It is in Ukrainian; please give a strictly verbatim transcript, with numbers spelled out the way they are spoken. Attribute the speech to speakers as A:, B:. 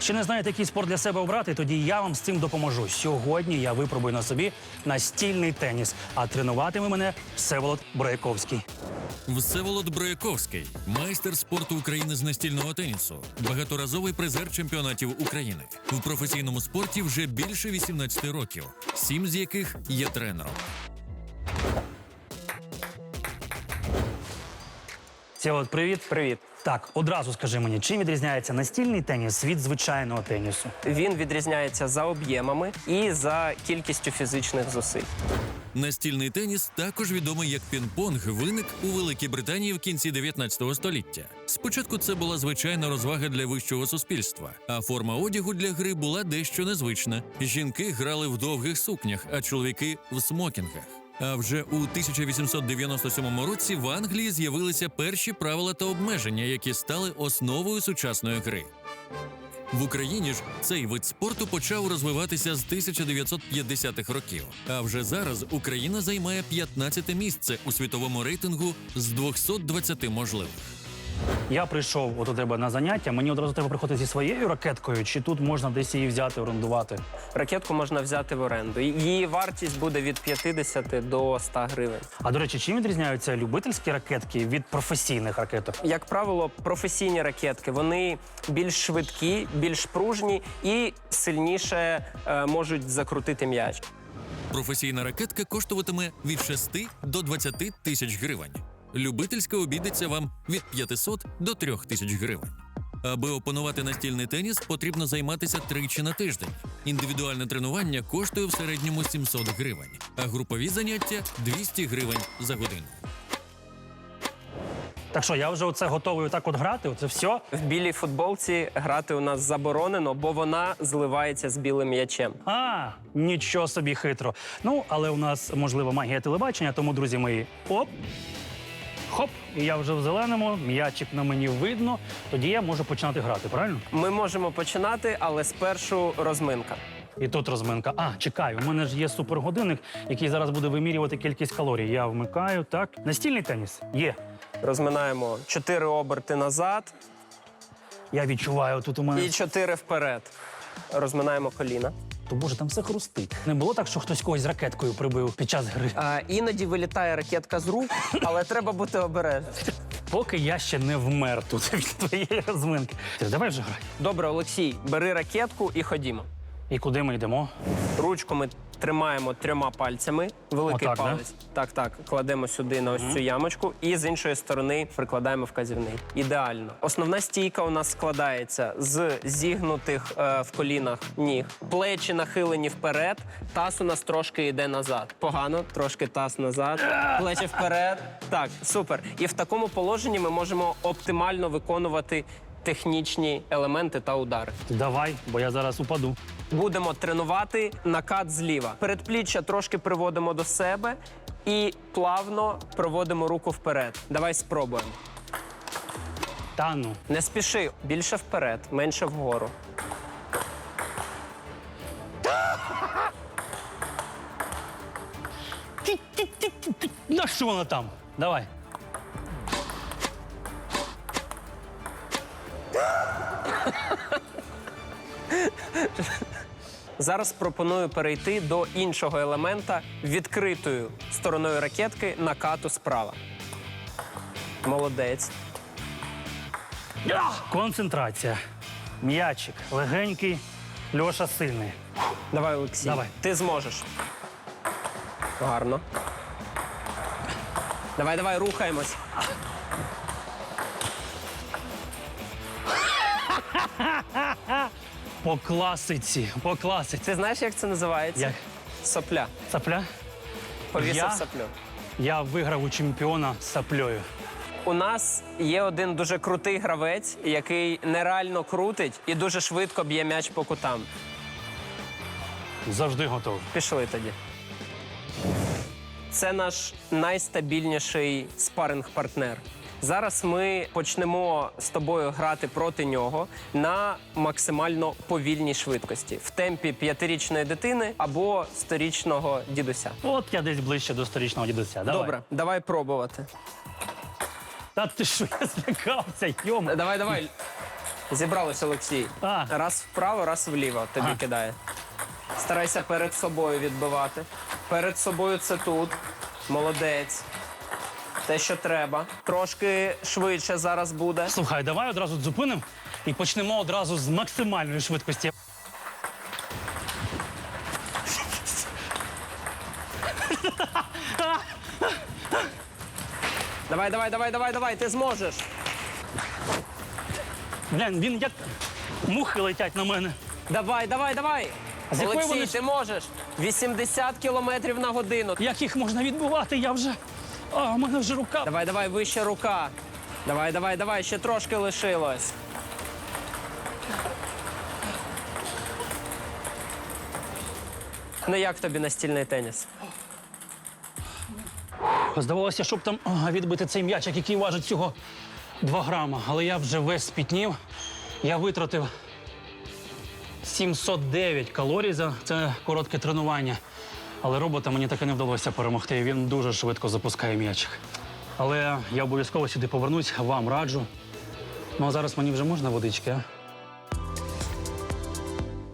A: Ще не знаєте, який спорт для себе обрати? Тоді я вам з цим допоможу. Сьогодні я випробую на собі настільний теніс, а тренуватиме мене Всеволод Брояковський.
B: Всеволод Брояковський – майстер спорту України з настільного тенісу, багаторазовий призер чемпіонатів України. У професійному спорті вже більше вісімнадцяти років, сім з яких є тренером.
A: Всеволод, привіт.
C: Привіт.
A: Так, одразу скажи мені, чим відрізняється настільний теніс від звичайного тенісу?
C: Він відрізняється за об'ємами і за кількістю фізичних зусиль.
B: Настільний теніс, також відомий як пінг-понг, виник у Великій Британії в кінці дев'ятнадцятого століття. Спочатку це була звичайна розвага для вищого суспільства, а форма одягу для гри була дещо незвична. Жінки грали в довгих сукнях, а чоловіки – в смокінгах. А вже у тисяча вісімсот дев'яносто сьомому році в Англії з'явилися перші правила та обмеження, які стали основою сучасної гри. В Україні ж цей вид спорту почав розвиватися з тисяча дев'ятсот п'ятдесятих років. А вже зараз Україна займає п'ятнадцяте місце у світовому рейтингу з двохсот двадцяти можливих.
A: Я прийшов от у тебе на заняття, мені одразу треба приходити зі своєю ракеткою, чи тут можна десь її взяти, орендувати?
C: Ракетку можна взяти в оренду. Її вартість буде від п'ятдесяти до ста гривень.
A: А, до речі, чим відрізняються любительські ракетки від професійних ракеток?
C: Як правило, професійні ракетки, вони більш швидкі, більш пружні і сильніше е, можуть закрутити м'яч.
B: Професійна ракетка коштуватиме від шести до двадцяти тисяч гривень. Любительська обійдеться вам від п'ятисот до трьох тисяч гривень. Аби опанувати настільний теніс, потрібно займатися тричі на тиждень. Індивідуальне тренування коштує в середньому сімсот гривень, а групові заняття – двісті гривень за годину.
A: Так що, я вже оце готовий отак от грати, оце все?
C: В білій футболці грати у нас заборонено, бо вона зливається з білим м'ячем.
A: А, нічого собі хитро. Ну, але у нас, можливо, магія телебачення, тому, друзі мої, оп, хоп, і я вже в зеленому, м'ячик на мені видно, тоді я можу починати грати, правильно?
C: Ми можемо починати, але спершу розминка.
A: І тут розминка. А, чекаю, у мене ж є супергодинник, який зараз буде вимірювати кількість калорій. Я вмикаю, так. Настільний теніс? Є.
C: Розминаємо чотири оберти назад
A: Я відчуваю, тут у мене...
C: і чотири вперед. Розминаємо коліна.
A: То, боже, там все хрустить. Не було так, що хтось когось ракеткою прибив під час гри?
C: А, іноді вилітає ракетка з рук, але треба бути обережним.
A: Поки я ще не вмер тут від твоєї розминки. Ти, давай вже грай.
C: Добре, Олексій, бери ракетку і ходімо.
A: І куди ми йдемо?
C: Ручку ми тримаємо трьома пальцями. Великий
A: Отак,
C: палець. Так, так. Кладемо сюди на ось цю ямочку і з іншої сторони прикладаємо вказівний. Ідеально. Основна стійка у нас складається з зігнутих е, в колінах ніг. Плечі нахилені вперед, таз у нас трошки йде назад. Погано, трошки таз назад, плечі вперед. Так, супер. І в такому положенні ми можемо оптимально виконувати технічні елементи та удари.
A: Давай, бо я зараз упаду.
C: Будемо тренувати накат зліва. Передпліччя трошки приводимо до себе і плавно проводимо руку вперед. Давай спробуємо.
A: Та ну.
C: Не спіши. Більше вперед, менше вгору.
A: На що вона там? Давай.
C: Зараз пропоную перейти до іншого елемента відкритою стороною ракетки накату справа. Молодець.
A: Концентрація. М'ячик легенький, Льоша сильний.
C: Давай, Олексій.
A: Давай.
C: Ти зможеш. Гарно. Давай, давай, рухаємось.
A: По класиці, по класиці.
C: Ти знаєш, як це називається?
A: Як?
C: Сопля.
A: Сапля?
C: Повісив
A: Я?
C: соплю.
A: Я виграв у чемпіона з саплею.
C: У нас є один дуже крутий гравець, який нереально крутить і дуже швидко б'є м'яч по кутам.
A: Завжди готовий.
C: Пішли тоді. Це наш найстабільніший спаринг-партнер. Зараз ми почнемо з тобою грати проти нього на максимально повільній швидкості. В темпі п'ятирічної дитини або сторічного дідуся.
A: От я десь ближче до сторічного дідуся. Давай.
C: Добре, давай пробувати.
A: Та ти що, я злякався, йома.
C: Давай, давай. Зібралось, Олексій.
A: А.
C: Раз вправо, раз вліво тобі
A: Ага.
C: кидає. Старайся перед собою відбивати. Перед собою це тут. Молодець. Те, що треба. Трошки швидше зараз буде.
A: Слухай, давай одразу зупинимо і почнемо одразу з максимальної швидкості.
C: Давай, давай, давай, давай, давай, ти зможеш.
A: Блін, він як мухи летять на мене.
C: Давай, давай, давай.
A: З якої
C: Олексій,
A: вони-
C: ти можеш. вісімдесят кілометрів на годину.
A: Як їх можна відбувати? Я вже. А, у мене вже рука.
C: Давай, давай, вище рука. Давай, давай, давай, ще трошки лишилось. Ну як тобі настільний теніс?
A: Здавалося, щоб там а, відбити цей м'ячик, який важить всього два грама. Але я вже весь спітнів. Я витратив сімсот дев'ять калорій за це коротке тренування. Але робота мені так і не вдалося перемогти. Він дуже швидко запускає м'ячик. Але я обов'язково сюди повернусь, вам раджу. Ну а зараз мені вже можна водички, а?